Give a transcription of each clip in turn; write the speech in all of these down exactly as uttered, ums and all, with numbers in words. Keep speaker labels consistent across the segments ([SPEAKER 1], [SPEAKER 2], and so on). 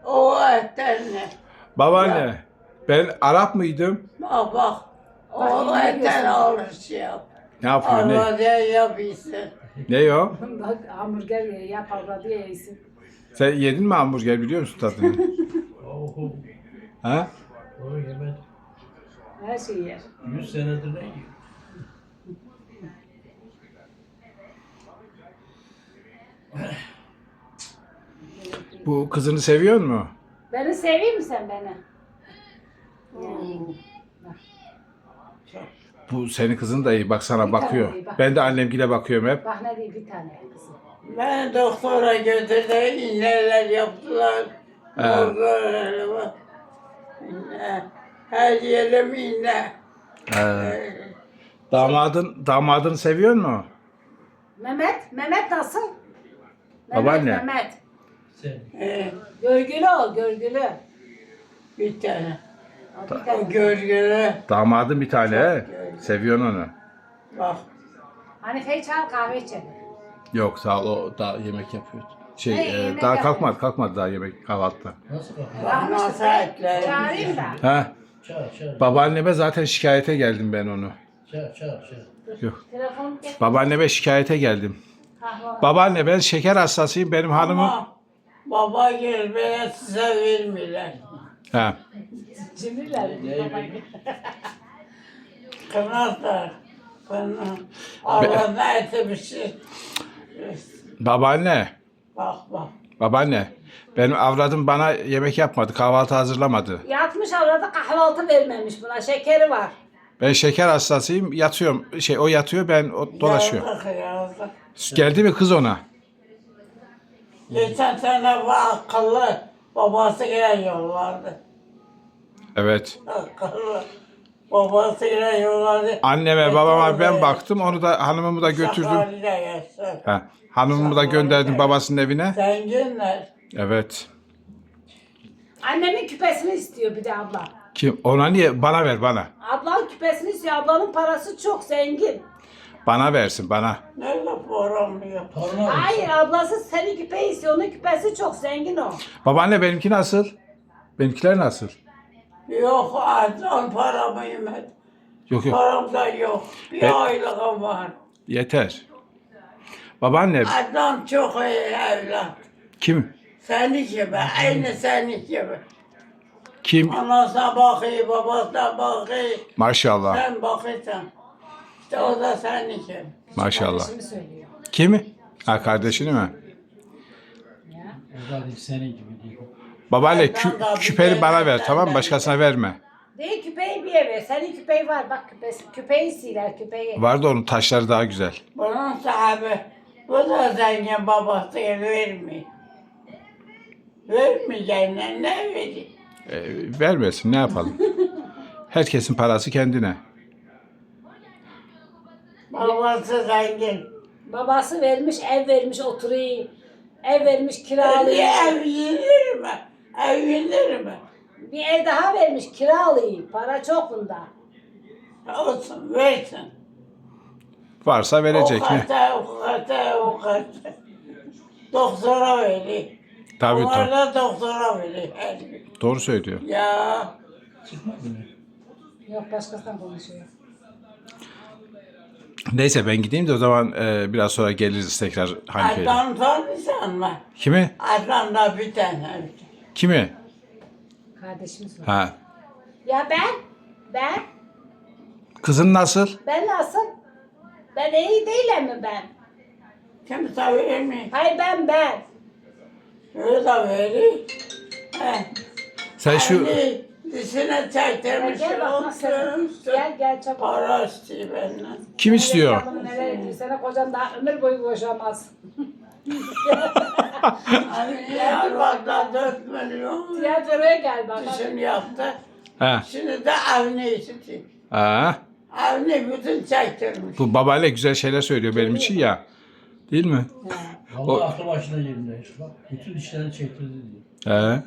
[SPEAKER 1] O etten ne?
[SPEAKER 2] Babaanne, ben Arap mıydım?
[SPEAKER 1] Bak bak. O
[SPEAKER 3] Bak, yine
[SPEAKER 1] etten
[SPEAKER 3] göster.
[SPEAKER 1] alış yap.
[SPEAKER 2] Ne yapıyor, ne?
[SPEAKER 1] Arvada yapıyorsun.
[SPEAKER 2] Ne o?
[SPEAKER 3] Bak hamburger ye, yap avradı ye yesin.
[SPEAKER 2] Sen yedin mi hamburger, biliyor musun tadını?
[SPEAKER 4] Oho.
[SPEAKER 2] Ha?
[SPEAKER 4] O yemedim.
[SPEAKER 3] Her şeyi yer.
[SPEAKER 4] Yüz senedir ne yiyor?
[SPEAKER 2] Bu kızını seviyor mu?
[SPEAKER 3] Beni seveyim mi sen beni?
[SPEAKER 2] Bu senin kızın da iyi, bak sana bakıyor. Ben de annemgile bakıyorum hep.
[SPEAKER 3] Bak ne diyeyim bir tane kızım.
[SPEAKER 1] Beni doktora götürdü, iğneler yaptılar.
[SPEAKER 2] He.
[SPEAKER 1] Doktorlara bak. İğne. Her yerim iğne.
[SPEAKER 2] Ee, damadın, damadını seviyor mu?
[SPEAKER 3] Mehmet, Mehmet nasıl? Mehmet,
[SPEAKER 2] Babaanne.
[SPEAKER 3] Mehmet.
[SPEAKER 4] Sen.
[SPEAKER 1] Ee,
[SPEAKER 3] Görgülü ol, görgülü.
[SPEAKER 1] bir tane.
[SPEAKER 3] O bir
[SPEAKER 1] O
[SPEAKER 3] tane.
[SPEAKER 1] görgülü.
[SPEAKER 2] Damadın bir tane he. Seviyorsun onu.
[SPEAKER 1] Bak.
[SPEAKER 3] Hanife'yi çağır kahve içelim.
[SPEAKER 2] Yok sağ ol, o daha yemek yapıyor. Şey,
[SPEAKER 3] Ne,
[SPEAKER 2] e,
[SPEAKER 3] yemek
[SPEAKER 2] daha
[SPEAKER 3] yapıyor?
[SPEAKER 2] kalkmadı, kalkmadı daha yemek kahvaltıda.
[SPEAKER 4] Nasıl kalkıyor?
[SPEAKER 1] Bak nasıl etler.
[SPEAKER 3] Çağırayım da.
[SPEAKER 2] Ha,
[SPEAKER 4] Çağır çağır.
[SPEAKER 2] babaanneme zaten şikayete geldim ben onu.
[SPEAKER 4] Çağır çağır çağır.
[SPEAKER 2] Yok.
[SPEAKER 3] Telefonu getir.
[SPEAKER 2] Babaanneme şikayete geldim.
[SPEAKER 3] Kahve.
[SPEAKER 2] Babaanne ben şeker hastasıyım, benim hanımım.
[SPEAKER 1] Ama baba gel bana size vermiyorlar.
[SPEAKER 2] Ha.
[SPEAKER 3] Cimriler.
[SPEAKER 1] Kınarlar. Kınar. Arvada eti bir şey.
[SPEAKER 2] Babaanne,
[SPEAKER 1] Bak bak.
[SPEAKER 2] babaanne. Benim avradım bana yemek yapmadı, kahvaltı hazırlamadı.
[SPEAKER 3] Yatmış avradı kahvaltı vermemiş buna. Şekeri var.
[SPEAKER 2] Ben şeker hastasıyım, yatıyorum. Şey, o yatıyor, ben o dolaşıyorum.
[SPEAKER 1] Yazık yazık.
[SPEAKER 2] Geldi mi kız ona?
[SPEAKER 1] Geçen sene bu akıllı babası gelen yollardı.
[SPEAKER 2] Evet.
[SPEAKER 1] Akıllı. Babası gelen yollardı.
[SPEAKER 2] Anneme, babama ben baktım, onu da hanımımı da götürdüm.
[SPEAKER 1] Sakarya'da yaşlar.
[SPEAKER 2] Ha. Hanımımı da gönderdim babasının evine.
[SPEAKER 1] Zenginler.
[SPEAKER 2] Evet.
[SPEAKER 3] Annemin küpesini istiyor bir de abla.
[SPEAKER 2] Kim? Ona niye? Bana ver, bana.
[SPEAKER 3] Ablanın küpesini istiyor. Ablanın parası çok zengin.
[SPEAKER 2] Bana versin, bana.
[SPEAKER 1] Nerede programlıyor?
[SPEAKER 4] Toruna mı?
[SPEAKER 3] Hayır ablası senin küpeyi istiyor. Onun küpesi çok zengin o.
[SPEAKER 2] Babaanne benimki nasıl? Benimkiler nasıl?
[SPEAKER 1] Yok azdan paramı yemedim.
[SPEAKER 2] Yok yok.
[SPEAKER 1] Param da yok. Bir
[SPEAKER 2] E-
[SPEAKER 1] aylığım var.
[SPEAKER 2] Yeter. Babaanne
[SPEAKER 1] Adam çok iyi evlat.
[SPEAKER 2] kim?
[SPEAKER 1] Seni gibi, aynı seni gibi.
[SPEAKER 2] Kim?
[SPEAKER 1] Anasına bakıyor, babasına bakıyor.
[SPEAKER 2] Maşallah.
[SPEAKER 1] Sen bakıyorsun. İşte o da senin gibi.
[SPEAKER 2] Maşallah.
[SPEAKER 3] Kardeşimi söylüyor.
[SPEAKER 2] Kimi? Ha, kardeşini mi?
[SPEAKER 3] Ya.
[SPEAKER 4] O da değil, senin gibi değil.
[SPEAKER 2] Babaanne
[SPEAKER 1] Ben
[SPEAKER 2] kü-
[SPEAKER 1] de bir
[SPEAKER 2] küpeni bana ver,
[SPEAKER 1] ben
[SPEAKER 2] tamam mı?
[SPEAKER 1] de-
[SPEAKER 2] Başkasına verme.
[SPEAKER 3] Değil küpeyi bir eve. Senin küpeyi var. Bak küpesi. Küpeyi siler küpeyi.
[SPEAKER 2] Vardı onun taşları daha güzel.
[SPEAKER 1] Bunun sahibi, bu da zengin babası vermiyor. Vermeyeceğine ne vereyim?
[SPEAKER 2] Ee, vermesin, ne yapalım? Herkesin parası kendine.
[SPEAKER 1] Babası zengin.
[SPEAKER 3] Babası vermiş, ev vermiş oturayım. Ev vermiş
[SPEAKER 1] Bir
[SPEAKER 3] kiralayayım.
[SPEAKER 1] ev yenir mi? Ev yenir mi?
[SPEAKER 3] Bir ev daha vermiş kiralayayım. Para çok bunda.
[SPEAKER 1] Olsun, versin.
[SPEAKER 2] Varsa verecek
[SPEAKER 1] O
[SPEAKER 2] mi?
[SPEAKER 1] kadar, o kadar, o kadar. Doktora veriyor.
[SPEAKER 2] Tabii
[SPEAKER 1] Onlar
[SPEAKER 2] tabii.
[SPEAKER 1] da doktora veriyor her gün.
[SPEAKER 2] Doğru söylüyor.
[SPEAKER 1] Ya,
[SPEAKER 4] Çıkmadı mı?
[SPEAKER 3] Yok başkasından konuşuyor.
[SPEAKER 2] Neyse ben gideyim de o zaman e, biraz sonra geliriz tekrar Hanife'yle.
[SPEAKER 1] Adnan tanıyorsan mı?
[SPEAKER 2] Kimi?
[SPEAKER 1] Adnan'da bir tane.
[SPEAKER 2] Kimi?
[SPEAKER 3] Kardeşimiz var.
[SPEAKER 2] Ha.
[SPEAKER 3] Ya ben? Ben?
[SPEAKER 2] Kızın nasıl?
[SPEAKER 3] Ben nasıl? Ben iyi değilim mi ben?
[SPEAKER 1] Kimse vermiyor.
[SPEAKER 3] Hayır ben ben.
[SPEAKER 1] Öyle de veriyor. He.
[SPEAKER 2] Sen şu
[SPEAKER 1] Hani dişine
[SPEAKER 3] Gel,
[SPEAKER 1] çektirmiş.
[SPEAKER 3] gel bak nasıl. Gel gel çabuk.
[SPEAKER 1] Para istiyor benden.
[SPEAKER 2] kim istiyor?
[SPEAKER 3] Adamı neler ediyor. Sana kocan daha ömür boyu boşamaz.
[SPEAKER 1] Hani Diyarbakır'da dört milyon
[SPEAKER 3] Tiyatroya gel bak.
[SPEAKER 1] dişini yaptı.
[SPEAKER 2] Ha.
[SPEAKER 1] Şimdi de Avni istiyor.
[SPEAKER 2] Ha.
[SPEAKER 1] Avni bütün çektirmiş.
[SPEAKER 2] Bu babayla güzel şeyler söylüyor benim için ya. Değil mi?
[SPEAKER 4] Vallahi aklı başına yerinde. Bak bütün dişlerini çektirdi diyor.
[SPEAKER 2] He.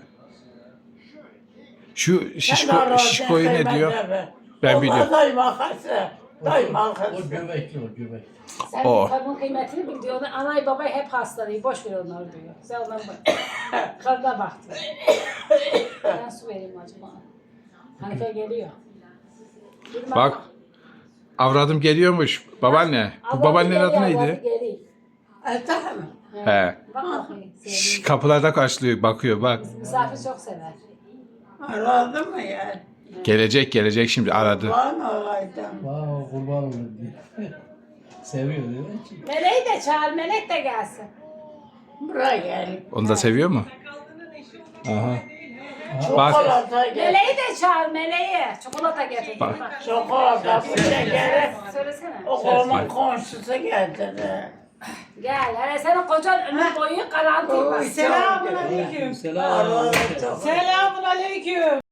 [SPEAKER 2] Şu şişko, şişkoyu ne diyor? Ben biliyorum.
[SPEAKER 1] biliyorum. O kadar makası. Doyma
[SPEAKER 4] O
[SPEAKER 1] kız.
[SPEAKER 4] göbekli o göbek.
[SPEAKER 3] Sen
[SPEAKER 2] O.
[SPEAKER 3] kadının kıymetini bil diyor. Anay babay hep hastalığı. Boş ver onları diyor. Sen onlara bak. Karına baktın. Ben su vereyim acaba. Hanife geliyor. Dur
[SPEAKER 2] Bak. Avradım geliyormuş. Babaanne. Bu
[SPEAKER 3] Avradı
[SPEAKER 2] babaannenin
[SPEAKER 3] geliyor,
[SPEAKER 2] adı
[SPEAKER 3] avradı
[SPEAKER 2] neydi?
[SPEAKER 3] geliyor.
[SPEAKER 1] Ata mı?
[SPEAKER 2] He.
[SPEAKER 3] Bak bakayım.
[SPEAKER 2] Şş,
[SPEAKER 3] sevdiğim.
[SPEAKER 2] kapılarda karşılıyor, bakıyor bak.
[SPEAKER 3] Misafir çok sever.
[SPEAKER 1] Aradı mı ya?
[SPEAKER 2] Gelecek gelecek şimdi aradı.
[SPEAKER 1] Lan olaydım.
[SPEAKER 4] Vay kurban olur diye. Seviyor değil ki.
[SPEAKER 3] Meleği de çağır. Melek de gelsin.
[SPEAKER 1] Buraya gel.
[SPEAKER 2] Onu da seviyor mu? Aha. Bak.
[SPEAKER 1] Çikolata gel.
[SPEAKER 3] Meleği de çağır. Meleği. Çikolata getirdim.
[SPEAKER 2] Bak.
[SPEAKER 3] Bak.
[SPEAKER 1] Çikolata buraya gel.
[SPEAKER 3] Söylesene.
[SPEAKER 1] Oğlumun komşusu getirdi.
[SPEAKER 3] Gel. Hele senin kocan ömür boyu garanti. bak.
[SPEAKER 1] Selamun
[SPEAKER 5] Aleyküm.
[SPEAKER 4] Selam.
[SPEAKER 1] Aradı çok.
[SPEAKER 5] Selamun aleyküm.